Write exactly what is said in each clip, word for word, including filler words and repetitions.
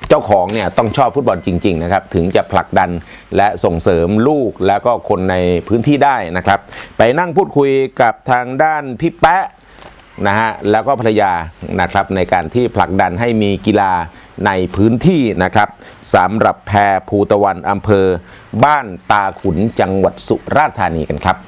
เจ้าของเนี่ยต้องชอบฟุตบอลจริงๆนะครับถึงจะผลักดันและส่งเสริมลูกแล้วก็คนในพื้นที่ได้นะครับไปนั่งพูดคุยกับทางด้านพี่แป๊ะนะฮะแล้วก็ภรรยานะครับในการที่ผลักดันให้มีกีฬาในพื้นที่นะครับสำหรับแพภูตะวันอำเภอบ้านตาขุนจังหวัดสุราษฎร์ธานีกันครับ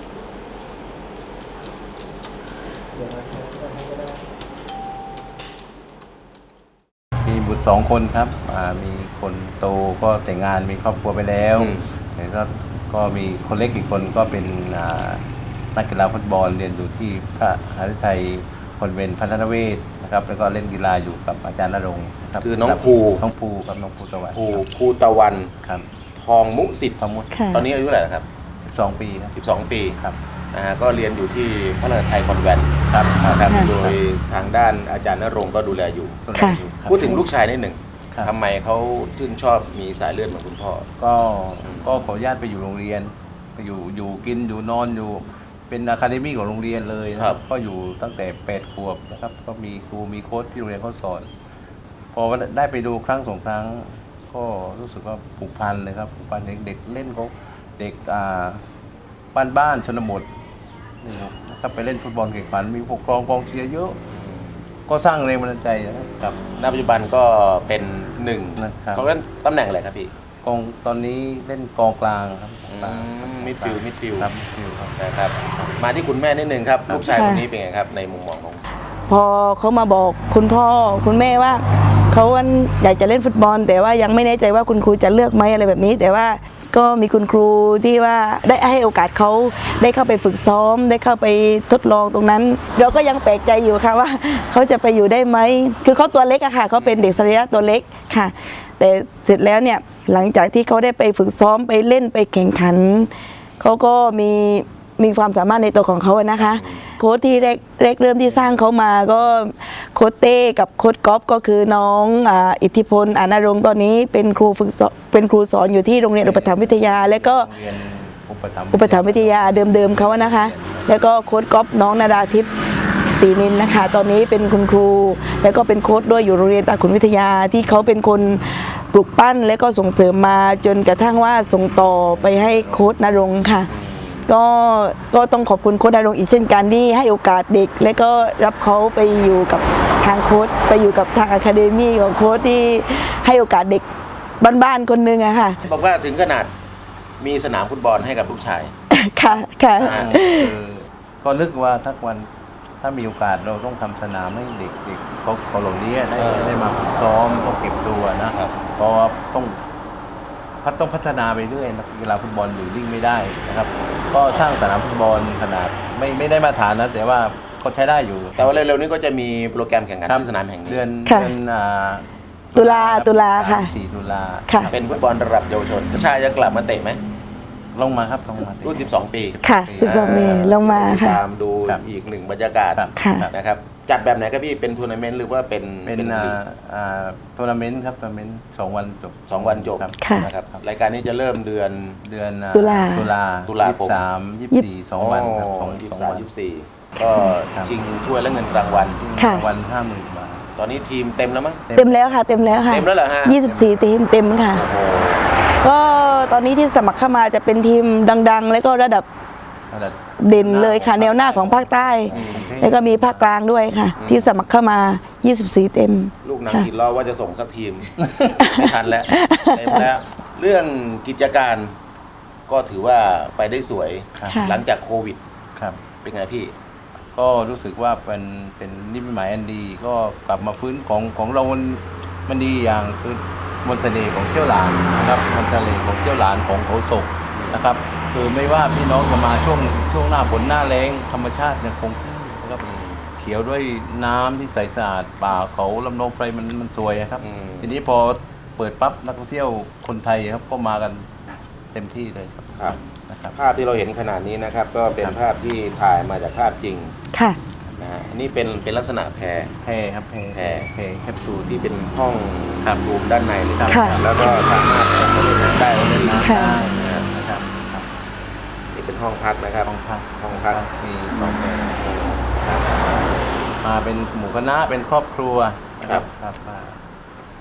มีบุตรสองคนครับมีคนโตก็แต่งงานมีครอบครัวไปแล้วแต่ก็ก็มีคนเล็กอีกคนก็เป็นนักกีฬาฟุตบอลเรียนอยู่ที่พระหฤทัยคอนเวนต์พัฒนเวศนะครับแล้วก็เล่นกีฬาอยู่กับอาจารย์ณรงค์ครับคือน้องภูน้องภูครับน้องภูตะวันภูภูตะวันครับทองมุสิทธิ์ทองมุสิทธิ์ตอนนี้อายุเท่าไหร่ครับสิบสองปีครับสิบสองปีครับนะฮะก็เรียนอยู่ที่พระนครไทยคอนแวนต์ครับครับโดยทางด้านอาจารย์ณรงค์ก็ดูแลอยู่พูดถึงลูกชายนิดหนึ่งทำไมเขาชื่นชอบมีสายเลือดเหมือนคุณพ่อก็ก็ขออนุญาตไปอยู่โรงเรียนอยู่อยู่กินอยู่นอนอยู่เป็นอะคาเดมี่ของโรงเรียนเลยนะครับก็อยู่ตั้งแต่แปดขวบนะครับก็มีครูมีโค้ชที่โรงเรียนเขาสอนพอได้ไปดูครั้งสองครั้งก็รู้สึกว่าผูกพันเลยครับผูกพันเด็กเล่นเขาเด็กอ่าบ้านบ้านชนบทนี่ครับถ้าไปเล่นฟุตบอลแข่งขันมีผู้ปกครองกองเชียร์เยอะก็สร้างแรงบันดาลใจนะครับณปัจจุบันก็เป็นหนึ่งเขาเล่นตำแหน่งอะไรครับพี่กองตอนนี้เล่นกองกลางครับมิดฟิลด์มิดฟิลด์ครับมิดฟิลด์ครับนะครับมาที่คุณแม่นิดนึงครับลูกชายคนนี้เป็นไงครับในมุมมองของพอเขามาบอกคุณพ่อคุณแม่ว่าเขาอยากจะเล่นฟุตบอลแต่ว่ายังไม่แน่ใจว่าคุณครูจะเลือกไหมอะไรแบบนี้แต่ว่าก็มีคุณครูที่ว่าได้ให้โอกาสเขาได้เข้าไปฝึกซ้อมได้เข้าไปทดลองตรงนั้นเราก็ยังแปลกใจอยู่ค่ะว่าเขาจะไปอยู่ได้ไหมคือเขาตัวเล็กอะค่ะเขาเป็นเด็กสรีระตัวเล็กค่ะแต่เสร็จแล้วเนี่ยหลังจากที่เขาได้ไปฝึกซ้อมไปเล่นไปแข่งขันเขาก็มีมีความสามารถในตัวของเขาอะนะคะโค้ชที่แรกแรกเริ่มที่สร้างเขามาก็โค้ชเต้กับโค้ชก๊อฟก็คือน้องอิทธิพลอาณรงค์ตอนนี้เป็นครูฝึกสอนเป็นครูสอนอยู่ที่โรงเรียนอุปถัมภ์วิทยาและก็อุปถัมภ์วิทยาเดิมๆเขาอะนะคะแล้วก็โค้ชก๊อฟน้องนาราทิพย์ศรีนินนะคะตอนนี้เป็นคุณครูแล้วก็เป็นโค้ชด้วยอยู่โรงเรียนตาขุนวิทยาที่เขาเป็นคนปลุกปั้นและก็ส่งเสริมมาจนกระทั่งว่าส่งต่อไปให้โค้ชณรงค์ค่ะก็ก็ต้องขอบคุณโค้ชณรงค์อีกเช่นกันที่ให้โอกาสเด็กและก็รับเขาไปอยู่กับทางโค้ชไปอยู่กับทางอะคาเดมี่ของโค้ชที่ให้โอกาสเด็กบ้านๆคนนึงอะค่ะบอกว่าถึงขนาดมีสนามฟุตบอลให้กับลูกชายค่ะค่ะก็นึกว่าทักวันถ้ามีโอกาสเราต้องทำสนามให้เด็กๆเขาเขาเหล่านี้ได้ได้มาฝึกซ้อมต้องเก็บตัวนะเพราะต้องพัฒต้องพัฒนาไปเรื่อยนักกีฬาฟุตบอลอยู่นิ่งไม่ได้นะครับก็สร้างสนามฟุตบอลขนาดไม่ไม่ได้มาตรฐานนะแต่ว่าก็ใช้ได้อยู่แต่ว่าเร็วๆนี้ก็จะมีโปรแกรมแข่งขันที่สนามแห่งนี้เดือนเดือนตุลาตุลาค่ะสี่ตุลาเป็นฟุตบอลระดับเยาวชนชายจะกลับมาเตะไหมลงมาครับลงมารุ่นสิบสองปีค่ะสิบสองปีลงมาค่ะตามดูอีกหนึ่งบรรยากาศนะครับจัดแบบไหนครับพี่เป็นทัวร์นาเมนต์หรือว่าเป็นเป็นทัวร์นาเมนต์ครับทัวร์นาเมนต์สองวันจบสองวันจบนะครับรายการนี้จะเริ่มเดือนเดือนตุลาตุลาตุลาคมสามยี่สิบสี่สองวันครับสองยี่สิบสามยี่สิบสี่ก็ชิงถ้วยและเงินรางวัลรางวัลห้าหมื่นบาทตอนนี้ทีมเต็มแล้วมั้งเต็มแล้วค่ะเต็มแล้วค่ะเต็มแล้วเหรอฮะยี่สิบสี่ทีมเต็มค่ะก็ตอนนี้ที่สมัครเข้ามาจะเป็นทีมดังๆแล้วก็ระดับเด่นเลยค่ะแนวหน้าของภาคใต้แล้วก็มีภาคกลางด้วยค่ะที่สมัครเข้ามายี่สิบสี่เต็มลูกนักกีฬาว่าจะส่งสักทีมไม่ทันแล้วเต็มแล้วเรื่องกิจการก็ถือว่าไปได้สวยหลังจากโควิดครับเป็นไงพี่ก็รู้สึกว่าเป็นเป็นนิมิตหมายอันดีก็กลับมาฟื้นของของเรามันมันดีอย่างคือมนต์เสน่ห์ของเชี่ยวหลานนะครับมนต์เสน่ห์ของเชี่ยวหลานของเขาศกนะครับคือไม่ว่าพี่น้องจะมาช่วงช่วงหน้าฝนหน้าแล้งธรรมชาติยังคงที่นะครับเขียวด้วยน้ำที่ใสสะอาดป่าเขาลำนองไพรมันมันสวยครับทีนี้พอเปิดปั๊บนักท่องเที่ยวคนไทยครับก็มากันเต็มที่เลยครับครับนะครับภาพที่เราเห็นขนาดนี้นะครับก็เป็นภาพที่ถ่ายมาจากภาพจริงค่ะนะฮะนี่เป็นเป็นลักษณะแพแพครับแพแพแพแคปซูลที่เป็นห้องรูมด้านในเลยครับแล้วก็สามารถเล่นน้ำได้เล่นน้ำได้นะครับนี่เป็นห้องพักนะครับห้องพักห้องพักมีสองแบบมาเป็นหมู่คณะเป็นครอบครัวนะครับครับ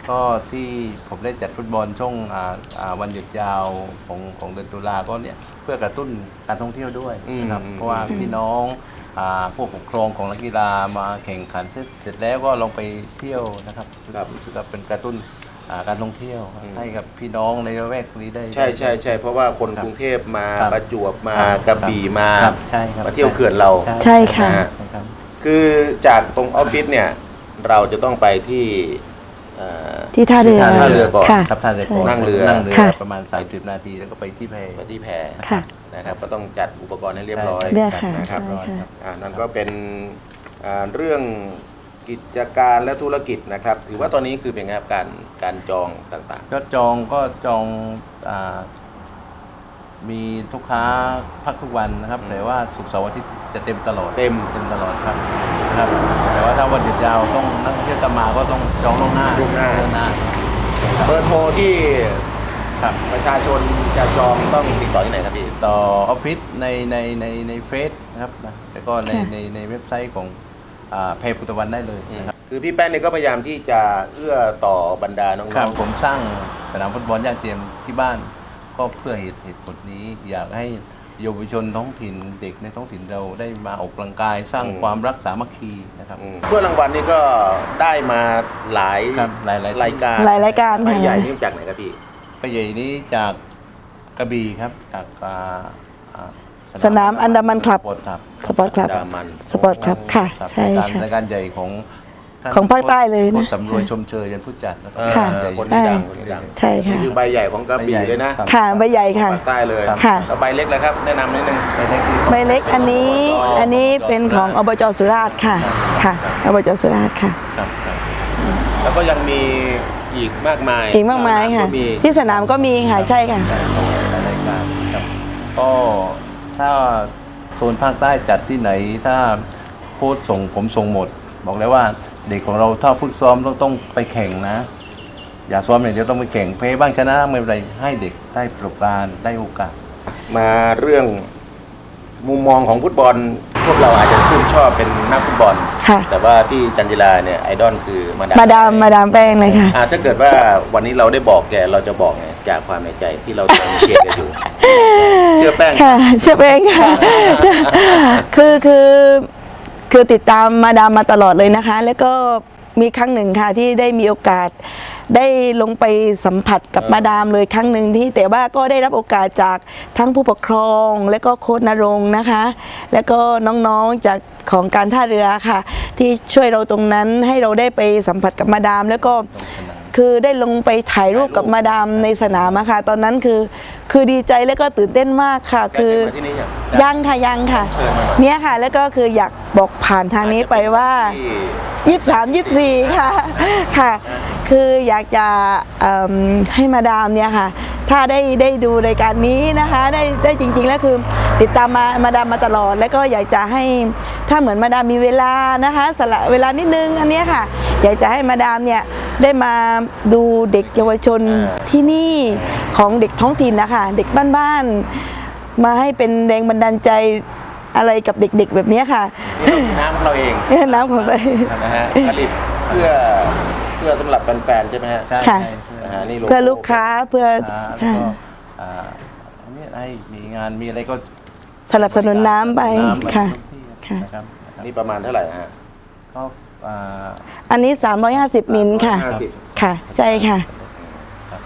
ก็ที่ผมได้จัดฟุตบอลช่วงอ่าอ่าวันหยุดยาวของของเดือนตุลาก็เนี่ยเพื่อกระตุ้นการท่องเที่ยวด้วยนะครับอืมเพราะว่าพี่น้องอ่าผู้ปกครองของนักกีฬามาแข่งขันเสร็จเสร็จแล้วก็ลองไปเที่ยวนะครับครับรู้สึกว่าเป็นกระตุ้นอ่าการท่องเที่ยวอืมให้กับพี่น้องในละแวกนี้ได้ใช่ใช่ใช่เพราะว่าคนครับกรุงเทพมาครับประจวบมาครับกระบี่มาครับใช่ครับมาเที่ยวเขื่อนเราใช่ค่ะใช่ครับคือจากตรงออฟฟิศเนี่ยเราจะต้องไปที่เอ่อที่ท่าเรือท่าเรือก่อนค่ะครับท่าเรือใช่นั่งเรือนั่งเรือค่ะประมาณสามสิบนาทีแล้วก็ไปที่แพไปที่แพค่ะนะครับก็ต้องจัดอุปกรณ์ให้เรียบร้อยเรือค่ะนะครับใช่ค่ะอ่านั่นก็เป็นอ่าเรื่องกิจการและธุรกิจนะครับถือว่าตอนนี้คือเป็นไงครับการการจองต่างก็จองก็จองอามีลูกค้าพักทุกวันนะครับอืมแต่ว่าศุกร์เสาร์อาทิตย์จะเต็มตลอดเต็มเต็มตลอดครับนะครับ แต่ว่าถ้าวันหยุดยาวต้องนักท่องเที่ยวจะมาก็ต้องจองล่วงหน้าล่วงหน้าล่วงหน้าๆเบอร์โทรที่ครับประชาชนจะจองต้องติดต่อที่ไหนครับพี่ต่อออฟฟิศในในในในเฟซนะครับนะแล้วก็ในค่ะในในเว็บไซต์ของอ่าเพจพุทธวันได้เลยนะครับคือพี่แป้นเนี่ยก็พยายามที่จะเอื้อต่อบรรดาน้ครัอบ งผมสร้างสนามฟุตบอลย่าเทียมที่บ้านก็เพื่อเหตุเหตุผลนี้ อยากให้เยาวชนท้องถิ่นเด็กในท้องถิ่นเราได้มาออกกำลังกายสร้างความรักสามัคคีนะครับๆอืมเพื่อรางวัลนี่ก็ได้มาหลายครับหลายๆรายการหลายรายการใบค่ะใหญ่นี่จากไหนครับพี่ไปใหญ่นี้จากกระบี่ครับจากอ่าอ่าสนามอันดามันคลับสปอร์ตครับสปอร์ตคลับดามันสปอร์ตคลับค่ะครับใช่รายการค่ะรายการใหญ่ของท่นของภาคใต้เลยนะโค้ชสำรวยชมเชยยันผู้จัดนะครับค่ะเออใหญ่คนที่ดังใช่คนที่ดังใช่ค่ะนี่คือใบใหญ่ของกระบี่เลยนะครับค่ะใบใหญ่ค่ะภาคใต้เลยค่ะแล้วใบเล็กเลยครับ แนะนำนิดนึงไปได้ที่ใบเล็กอันนี้อันนี้เป็นของอบจสุราษฎร์ค่ะค่ะอบจสุราษฎร์ค่ะครับครับแล้วก็ยังมีอีกมากมายอีกมากมายค่ะก็มีที่สนามก็มีค่ะใช่ค่ะหลายรายการครับก็ถ้าโซนภาคใต้จัดที่ไหนถ้าโค้ชส่งผมส่งหมด บอกเลยว่าเด็กของเราถ้าฝึกซ้อมต้องต้องไปแข่งนะ อย่าซ้อมอย่างเดียวต้องไปแข่งแพ้บ้างชนะไม่เป็นไรให้เด็กได้ประสบการณ์ได้โอกาสมาเรื่องมุมมองของฟุตบอล พวกเราอาจจะชื่นชอบเป็นนักฟุตบอลค่ะแต่ว่าพี่จันจิลาเนี่ยไอดอลคือมาดามมาดามมาดามแป้งเลยค่ะอ่าถ้าเกิดว่าวันนี้เราได้บอกแกเราจะบอกไงจากความในใจที่เราเชียร์แกอยู่ เชื่อแป้งค่ะเชื่อแป้งค่ะ คือคือคือติดตามมาดามมาตลอดเลยนะคะ แล้วก็มีครั้งหนึ่งค่ะที่ได้มีโอกาสได้ลงไปสัมผัสกับเออมาดามเลยครั้งหนึ่งที่แต่ว่าก็ได้รับโอกาสจากทั้งผู้ปกครอง และก็โค้ชนรงค์นะคะ แล้วก็น้องๆจากของการท่าเรือค่ะ ที่ช่วยเราตรงนั้นให้เราได้ไปสัมผัสกับมาดาม แล้วก็ คือได้ลงไปถ่ายรูปกับมาดามในสนามอะค่ะ ตอนนั้นคือคือดีใจแล้วก็ตื่นเต้นมากค่ะแกคือเคยมาที่นี่ยังยังค่ะยังค่ะเชิญมาหน่อยเนี่ยค่ะ แล้วก็คืออยากบอกผ่านทางนี้ไปว่าที่ยี่สิบสามยี่สิบสี่ค่ะค่ะ คืออยากจะเอิ่มให้มาดามเนี่ยค่ะ ถ้าได้ได้ดูรายการนี้นะคะ ได้ได้จริงๆแล้วคือติดตามมามาดามมาตลอด แล้วก็อยากจะให้ถ้าเหมือนมาดามมีเวลานะคะสละเวลานิดนึงอันเนี้ยค่ะ อยากจะให้มาดามเนี่ยได้มาดูเด็กเยาวชนที่นี่ของเด็กท้องถิ่นนะคะเด็กบ้านๆมาให้เป็นแรงบันดาลใจอะไรกับเด็กๆแบบเนี้ยค่ะนี่เราน้ำของเราเองน้ำของตัวเองนะฮะผลิตเพื่อเพื่อสำหรับแฟนๆใช่ไหมฮะใช่ค่ะใช่นะฮะนี่โโเพื่อลูกค้าเพื่ออ่าแล้วค่ะก็อ่าอันนี้ให้มีงานมีอะไรก็สนับสนุนน้ำไปน้ำค่ะทุกที่ค่ะนะครับนะครับนี่ประมาณเท่าไหร่นะฮะก็อ่าอันนี้ สามร้อยห้าสิบ มิลค่ะห้าสิบค่ะ ใช่ค่ะครับ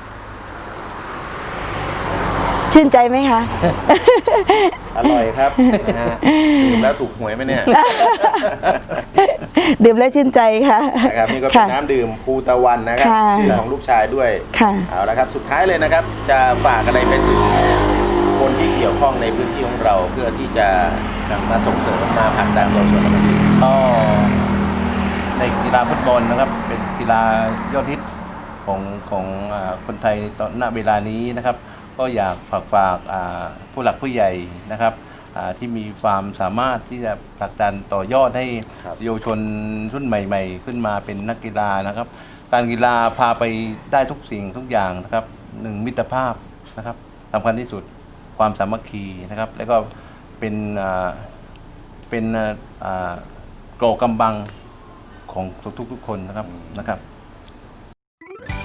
ชื่นใจไหมคะอร่อยครับนะฮะดื่มแล้วถูกหวยไหมเนี่ยดื่มแล้วชื่นใจค่ะนะครับนี่ก็เป็นค่ะน้ำดื่มภูตะวันนะครับค่ะชื่อของลูกชายด้วยค่ะเอาละครับสุดท้ายเลยนะครับ จะฝากอะไรไปถึงคนที่เกี่ยวข้องในพื้นที่ของเรา เพื่อที่จะมาส่งเสริมมาผลักดันเยาวชนเราดีก็ในกีฬาฟุตบอลนะครับ เป็นกีฬายอดฮิตของของอ่าคนไทยตอนณเวลานี้นะครับ ก็อยากฝากฝากอ่าผู้หลักผู้ใหญ่นะครับอ่าที่มีความสามารถที่จะผลักดันต่อยอดให้ครับเยาวชนรุ่นใหม่ ๆ ขึ้นมาเป็นนักกีฬานะครับ การกีฬาพาไปได้ทุกสิ่งทุกอย่างนะครับหนึ่งมิตรภาพนะครับสำคัญที่สุดความสามัคคีนะครับ แล้วก็เป็นอ่าเป็นอ่าเกราะกำบังของทุกๆคนนะครับนะครับ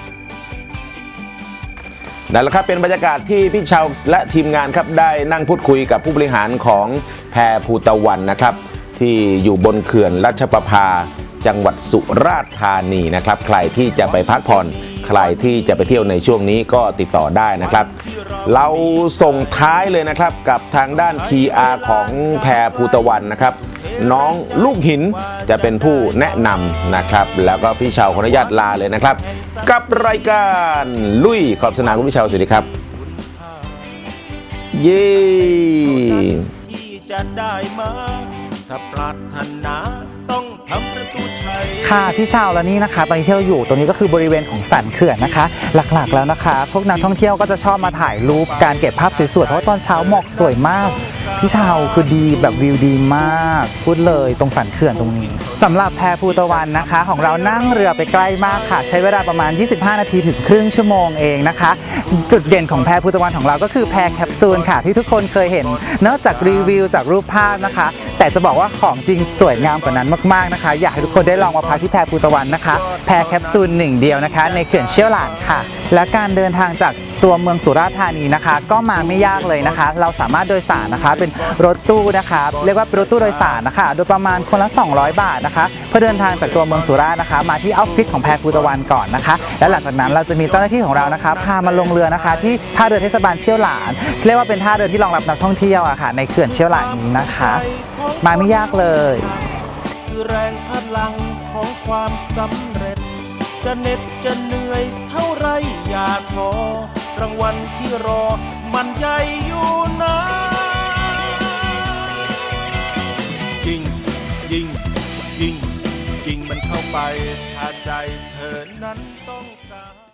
นั่นแหละครับเป็นบรรยากาศที่พี่เชาและทีมงานครับได้นั่งพูดคุยกับผู้บริหารของแพภูตะวันนะครับที่อยู่บนเขื่อนรัชประภาจังหวัดสุราษฎร์ธานีนะครับใครที่จะไปพักผ่อนใครที่จะไปเที่ยวในช่วงนี้ก็ติดต่อได้นะครับเราส่งท้ายเลยนะครับกับทางด้าน พี อาร์ ของแพภูตะวันนะครับน้องลูกหินจะเป็นผู้แนะนำนะครับแล้วก็พี่เชาขออนุญาตลาเลยนะครับกับรายการลุยขอบสนามคุณพี่เชาสวัสดีครับเย้ที่จะได้มาถ้าปรารถนาต้องทำประตูชัยค่ะพี่ชาวแล้วนี่นะคะตอนนี้ที่เราอยู่ตรงนี้ก็คือบริเวณของสันเขื่อนนะคะหลักๆแล้วนะคะพวกนักท่องเที่ยวก็จะชอบมาถ่ายรูปการเก็บภาพสวยๆเพราะว่าตอนเช้าหมอกสวยมากพี่ชาวคือดีแบบวิวดีมากพูดเลยตรงสันเขื่อนตรงนี้สำหรับแพภูตะวันนะคะของเรานั่งเรือไปใกล้มากค่ะใช้เวลาประมาณยี่สิบห้านาทีถึงครึ่งชั่วโมงเองนะคะจุดเด่นของแพภูตะวันของเราก็คือแพแคปซูลค่ะที่ทุกคนเคยเห็นนอกจากรีวิวจากรูปภาพนะคะแต่จะบอกว่าของจริงสวยงามกว่านั้นมากๆนะคะอยากให้ทุกคนได้ลองมาพักที่แพภูตะวันนะคะแพแคปซูลหนึ่งเดียวนะคะในเขื่อนเชี่ยวหลานค่ะและการเดินทางจากตัวเมืองสุราษฎร์ธานีนะคะก็มาไม่ยากเลยนะคะเราสามารถโดยสารนะคะเป็นรถตู้นะคะเรียกว่าเป็นรถตู้โดยสารนะคะโดยประมาณคนละสองร้อยบาทนะคะเพื่อเดินทางจากตัวเมืองสุราษฎร์นะคะมาที่ออฟฟิศของแพภูตะวันก่อนนะคะและหลังจากนั้นเราจะมีเจ้าหน้าที่ของเรานะคะพามาลงเรือนะคะที่ท่าเรือเทศบาลเชี่ยวหลานเรียกว่าเป็นท่าเรือที่รองรับนักท่องเที่ยวอะค่ะในเขื่อนเชี่ยวหลานนี้นะคะมาไม่ยากเลยคือแรงพลังของความสำเร็จจะเหน็ดจะเหนื่อยเท่าไรอย่าท้อรางวัลที่รอมันใหญ่อยู่นะยิงยิงยิงยิงมันเข้าไปถ้าใจเธอนั้นต้องการ